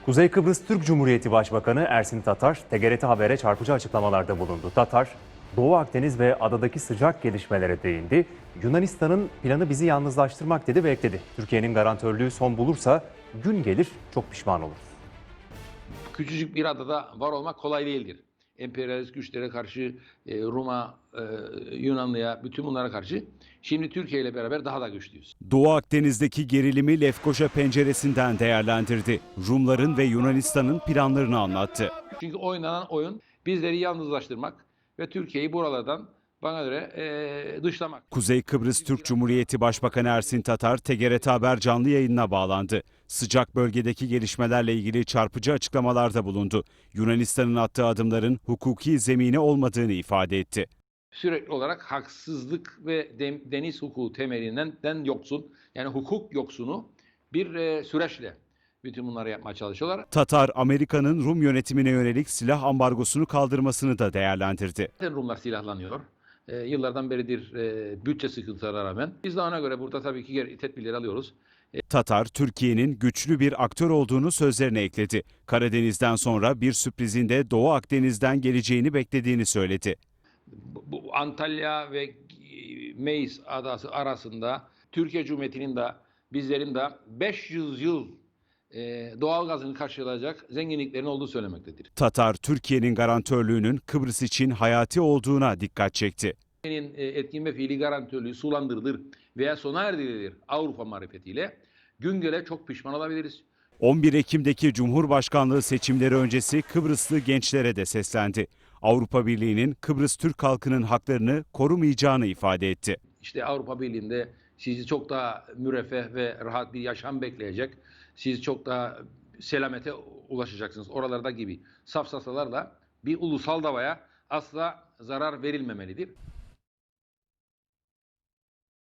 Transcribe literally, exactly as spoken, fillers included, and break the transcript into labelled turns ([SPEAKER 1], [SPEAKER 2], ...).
[SPEAKER 1] Kuzey Kıbrıs Türk Cumhuriyeti Başbakanı Ersin Tatar, T G R T Haber'e çarpıcı açıklamalarda bulundu. Tatar, Doğu Akdeniz ve adadaki sıcak gelişmelere değindi. Yunanistan'ın planı bizi yalnızlaştırmak dedi ve ekledi. Türkiye'nin garantörlüğü son bulursa gün gelir çok pişman oluruz.
[SPEAKER 2] Küçücük bir adada var olmak kolay değildir. Emperyalist güçlere karşı, e, Rum'a, e, Yunanlı'ya, bütün bunlara karşı. Şimdi Türkiye ile beraber daha da güçlüyüz.
[SPEAKER 3] Doğu Akdeniz'deki gerilimi Lefkoşa penceresinden değerlendirdi. Rumların ve Yunanistan'ın planlarını anlattı.
[SPEAKER 2] Çünkü oynanan oyun bizleri yalnızlaştırmak ve Türkiye'yi buralardan bana göre e, dışlamak.
[SPEAKER 3] Kuzey Kıbrıs Türk Cumhuriyeti Başbakanı Ersin Tatar, T G R T Haber canlı yayınına bağlandı. Sıcak bölgedeki gelişmelerle ilgili çarpıcı açıklamalarda bulundu. Yunanistan'ın attığı adımların hukuki zemini olmadığını ifade etti.
[SPEAKER 2] Sürekli olarak haksızlık ve deniz hukuku temelinden yoksun, yani hukuk yoksunu bir e, süreçle bütün bunları yapmaya çalışıyorlar.
[SPEAKER 3] Tatar, Amerika'nın Rum yönetimine yönelik silah ambargosunu kaldırmasını da değerlendirdi.
[SPEAKER 2] Zaten Rumlar silahlanıyor. E, yıllardan beridir e, bütçe sıkıntılarına rağmen. Biz de ona göre burada tabii ki tedbirleri alıyoruz.
[SPEAKER 3] Tatar, Türkiye'nin güçlü bir aktör olduğunu sözlerine ekledi. Karadeniz'den sonra bir sürprizin de Doğu Akdeniz'den geleceğini beklediğini söyledi.
[SPEAKER 2] Bu Antalya ve Meis adası arasında Türkiye Cumhuriyeti'nin de bizlerin de beş yüz yıl e, doğal gazını karşılayacak zenginliklerin olduğu söylemektedir.
[SPEAKER 3] Tatar, Türkiye'nin garantörlüğünün Kıbrıs için hayati olduğuna dikkat çekti.
[SPEAKER 2] Türkiye'nin etkin ve fiili garantörlüğü sulandırılır veya sona erdirilir Avrupa marifetiyle gün gele çok pişman olabiliriz.
[SPEAKER 3] on bir Ekim'deki Cumhurbaşkanlığı seçimleri öncesi Kıbrıslı gençlere de seslendi. Avrupa Birliği'nin Kıbrıs Türk halkının haklarını korumayacağını ifade etti.
[SPEAKER 2] İşte Avrupa Birliği'nde sizi çok daha müreffeh ve rahat bir yaşam bekleyecek, siz çok daha selamete ulaşacaksınız. Oralarda gibi safsatalarla bir ulusal davaya asla zarar verilmemelidir.